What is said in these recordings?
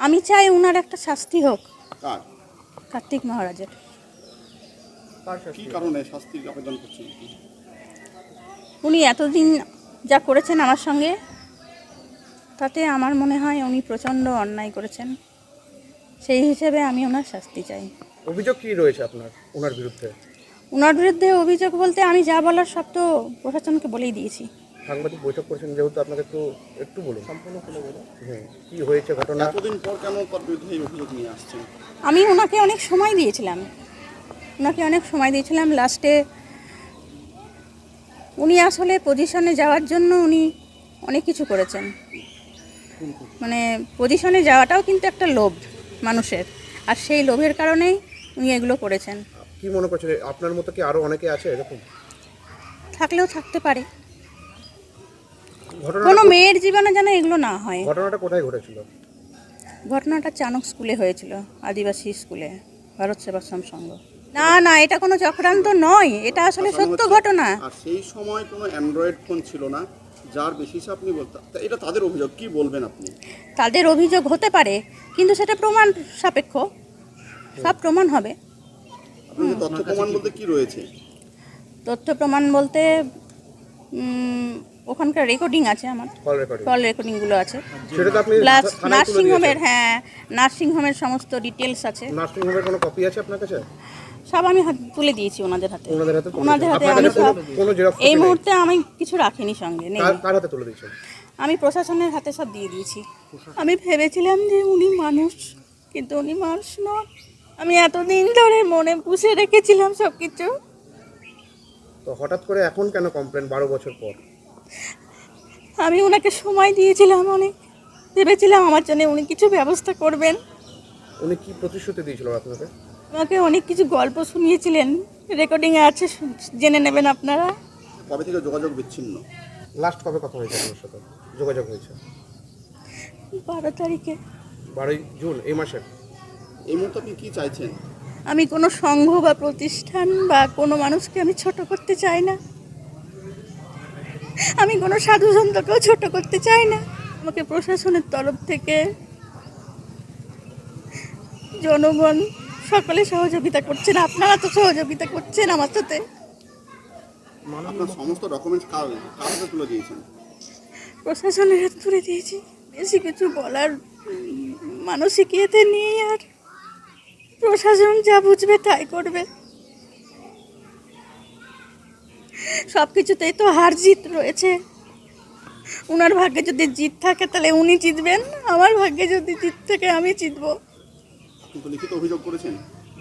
আমি চাই ওনার একটা শাস্তি হোক। কার? কার্তিক মহারাজের। কি কারণে শাস্তির আবেদন করছেন? উনি এতদিন যা করেছেন আমার সঙ্গে, তাতে আমার মনে হয় উনি প্রচণ্ড অন্যায় করেছেন। সেই হিসেবে আমি ওনার শাস্তি চাই। অভিযোগ কি রয়েছে আপনার ওনার বিরুদ্ধে? ওনার বিরুদ্ধে অভিযোগ বলতে আমি যা বলার সব তো প্রশাসনকে বলেই দিয়েছি। সাংবাদিক বৈঠক করেছেন যেহেতু, আপনাকে একটু বলুন, সম্পূর্ণ খুলে বলুন কি হয়েছে ঘটনা। এতদিন পর কেন তার বিরুদ্ধে এই অভিযোগ নিয়ে আসছেন? আমি ওনাকে অনেক সময় দিয়েছিলাম, লাস্টে উনি আসলে পজিশনে যাওয়ার জন্য উনি অনেক কিছু করেছেন। মানে পজিশনে যাওয়াটাও কিন্তু একটা লোভ মানুষের, আর সেই লোভের কারণেই উনি এগুলো করেছেন। কি মনে করছেন আপনার মতো কি আরো অনেকে আছে এরকম? থাকলেও থাকতে পারে। ঘটনা কোনো মেয়ের জীবনে যেন এগুলো না হয়। ঘটনাটা কোথায় ঘটেছিল? ঘটনাটা চানক স্কুলে হয়েছিল, আদিবাসী স্কুলে, ভারত সেবাশ্রম সংঘ। না, এটা কোনো চক্রান্ত নয়, এটা আসলে সত্য ঘটনা। আর সেই সময় কোনো অ্যান্ড্রয়েড ফোন ছিল না, যার বেশিসে আপনি বলতে, এটা তাদের অভিযোগ, কি বলবেন আপনি? তাদের অভিযোগ হতে পারে, কিন্তু সেটা প্রমাণ সাপেক্ষ, সব প্রমাণ হবে। আপনাদের তথ্য প্রমাণ বলতে কি রয়েছে? তথ্য প্রমাণ বলতে ওখানকার রেকর্ডিং আছে, আমার কল রেকর্ডিংগুলো আছে, সেটা তো আপনি প্লাস থানায় তুলে দিয়েছেন। নার্সিংহোমের সমস্ত ডিটেলস আছে। নার্সিংহোমের কোনো কপি আছে আপনার কাছে? সব আমি তুলে দিয়েছি ওনাদের হাতে। ওনাদের হাতে আমি সব, কোনো জেরক্স এই মুহূর্তে আমি কিছু রাখিনি সঙ্গে, নেই। কার হাতে তুলে দিয়েছেন? আমি প্রশাসনের হাতে সব দিয়ে দিয়েছি। আমি ভেবেছিলাম যে উনি মানুষ, কিন্তু উনি মানুষ নন। আমি এতদিন ধরে মনে পুষে রেখেছিলাম সব কিছু। তো হঠাৎ করে এখন কেন কমপ্লেন 12 বছর পর? আমি ওনাকে সময় দিয়েছিলাম, অনেক ভেবেছিলাম আমার জন্য উনি কিছু ব্যবস্থা করবেন। উনি কি প্রতিশ্রুতি দিয়েছিল আপনাকে? আমাকে অনেক কিছু গল্প শুনিয়েছিলেন, রেকর্ডিংয়ে আছে, জেনে নেবেন আপনারা। কবে থেকে যোগাযোগ বিচ্ছিন্ন? লাস্ট কবে কথা হয়েছে আপনার সাথে? যোগাযোগ হয়েছে 12 তারিখে। 12 জুন এই মাসের। এই মুহূর্তে আপনি কি চাইছেন? আমি কোনো সংঘ বা প্রতিষ্ঠান বা কোনো মানুষকে আমি ছোট করতে চাই না। আমি কোনো সাধু সন্তকেও ছোট করতে চাই না। আমাকে প্রশাসনের তরফ থেকে জনগণ সকলে সহযোগিতা করছেন, আপনারা তো সহযোগিতা করছেন আমার সাথে। আপনার সমস্ত ডকুমেন্টস কার হাতে তুলে দিয়েছেন? প্রশাসনের হাতে তুলে দিয়েছি। বেশি কিছু বলার মানসিকতা নেই, আর প্রশাসন যা বুঝবে তাই করবে। সব কিছুতেই তো হার জিত রয়েছে। ওনার ভাগ্যে যদি জিত থাকে তাহলে উনি জিতবেন, আমার ভাগ্যে যদি জিত থাকে আমি জিতবো। আপনি তো লিখিত অভিযোগ করেছেন?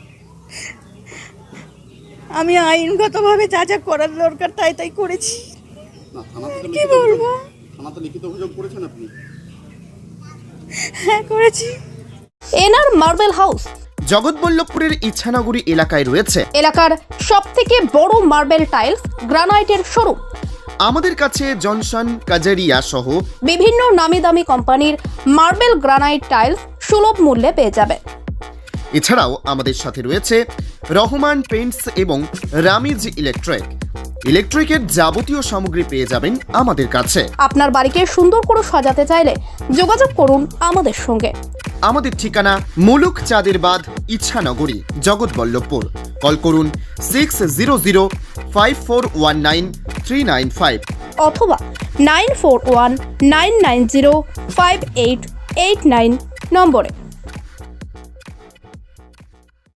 আমি আইনগতভাবে যা যা করার দরকার তাই করেছি। না, থানাতে কি বলবো? লিখিত অভিযোগ করেছেন আপনি? হ্যাঁ, করেছি। এনআর মার্বেল হাউস জগৎবল্লভপুরের ইচ্ছানগরী এলাকায় রয়েছে এলাকার সবথেকে বড় মার্বেল টাইলস গ্রানাইটের শোরুম। আমাদের কাছে জনসন, কাজারিয়া সহ বিভিন্ন নামি দামি কোম্পানির মার্বেল গ্রানাইট টাইলস সুলভ মূল্যে পেয়ে যাবে। এছাড়াও আমাদের সাথে রয়েছে রহমান পেইন্টস এবং রামিজ ইলেকট্রিকের যাবতীয় সামগ্রী পেয়ে যাবেন আমাদের কাছে। আপনার বাড়িকে সুন্দর করে সাজাতে চাইলে যোগাযোগ করুন আমাদের সঙ্গে। আমাদের ঠিকানা মুলুক চাঁদের বাঁধ, ইচ্ছানগরী, জগৎবল্লভপুর। কল করুন 6004193995 অথবা 9419905889 নম্বরে।